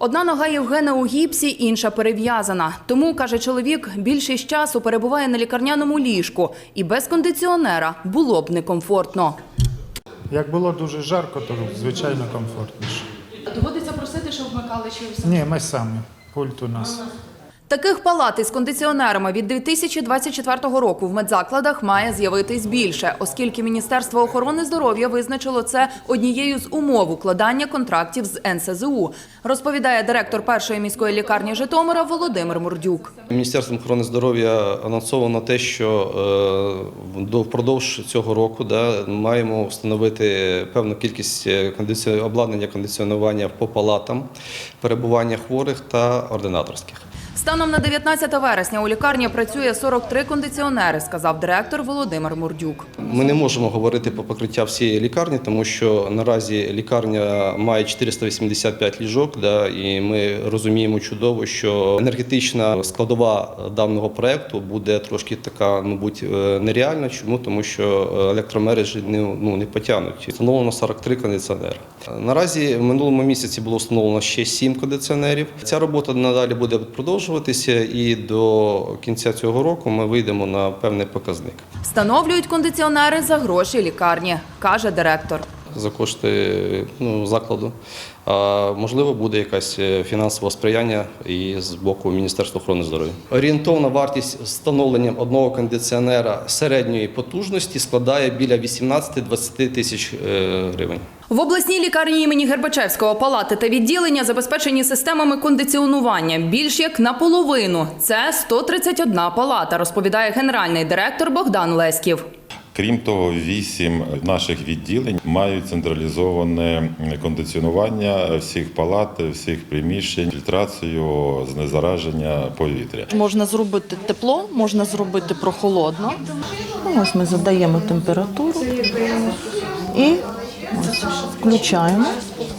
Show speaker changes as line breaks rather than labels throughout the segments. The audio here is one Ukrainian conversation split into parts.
Одна нога Євгена у гіпсі, інша перев'язана. Тому, каже чоловік, більшість часу перебуває на лікарняному ліжку. І без кондиціонера було б некомфортно.
Як було дуже жарко, то звичайно комфортніше.
Доводиться просити, щоб вмикали чи
Ні, ми самі. Пульт у нас.
Таких палат із кондиціонерами від 2024 року в медзакладах має з'явитись більше, оскільки Міністерство охорони здоров'я визначило це однією з умов укладання контрактів з НСЗУ, розповідає директор першої міської лікарні Житомира Володимир Мурдюк.
Міністерством охорони здоров'я анонсовано те, що впродовж цього року маємо встановити певну кількість обладнання кондиціонування по палатам, перебування хворих та ординаторських.
Станом на 19 вересня у лікарні працює 43 кондиціонери, сказав директор Володимир Мурдюк.
Ми не можемо говорити про покриття всієї лікарні, тому що наразі лікарня має 485 ліжок, і ми розуміємо чудово, що енергетична складова даного проєкту буде трошки така, мабуть, нереальна. Чому? Тому що електромережі не потягнуть. Встановлено 43 кондиціонери. Наразі в минулому місяці було встановлено ще 7 кондиціонерів. Ця робота надалі буде продовжуватися і до кінця цього року ми вийдемо на певний показник.
Встановлюють кондиціонери за гроші лікарні, каже директор.
За кошти закладу. Можливо, буде якесь фінансове сприяння і з боку Міністерства охорони здоров'я. Орієнтовна вартість встановлення одного кондиціонера середньої потужності складає біля 18-20 тисяч гривень.
В обласній лікарні імені Гербачевського палати та відділення забезпечені системами кондиціонування більш як наполовину. Це 131 палата, розповідає генеральний директор Богдан Леськів.
Крім того, 8 наших відділень мають централізоване кондиціонування всіх палат, всіх приміщень, фільтрацію, знезараження повітря.
Можна зробити тепло, можна зробити прохолодно. Ось ми задаємо температуру і включаємо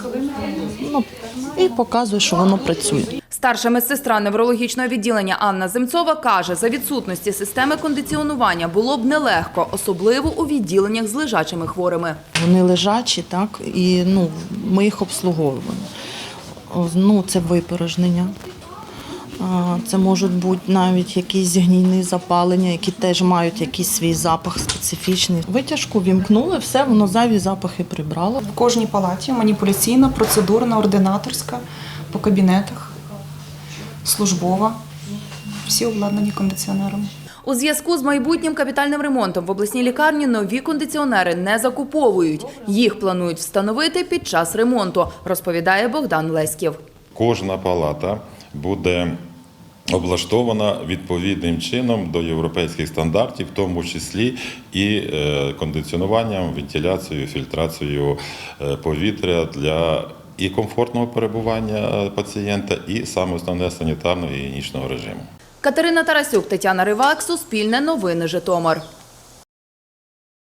і показує, що воно працює.
Старша медсестра неврологічного відділення Анна Земцова каже, за відсутності системи кондиціонування було б нелегко, особливо у відділеннях з лежачими хворими.
Вони лежачі, так, і ми їх обслуговуємо. Це випорожнення. Це можуть бути навіть якісь гнійні запалення, які теж мають якийсь свій запах специфічний. Витяжку вімкнули, все, воно зайві запахи прибрало.
В кожній палаті маніпуляційна, процедурна, ординаторська, по кабінетах, службова. Всі обладнані кондиціонерами.
У зв'язку з майбутнім капітальним ремонтом в обласній лікарні нові кондиціонери не закуповують. Їх планують встановити під час ремонту, розповідає Богдан Леськів.
Кожна палата буде облаштована відповідним чином до європейських стандартів, в тому числі і кондиціонуванням, вентиляцією, фільтрацією повітря для і комфортного перебування пацієнта, і саме основне санітарно-гігієнічного режиму.
Катерина Тарасюк, Тетяна Ривак, Суспільне новини, Житомир.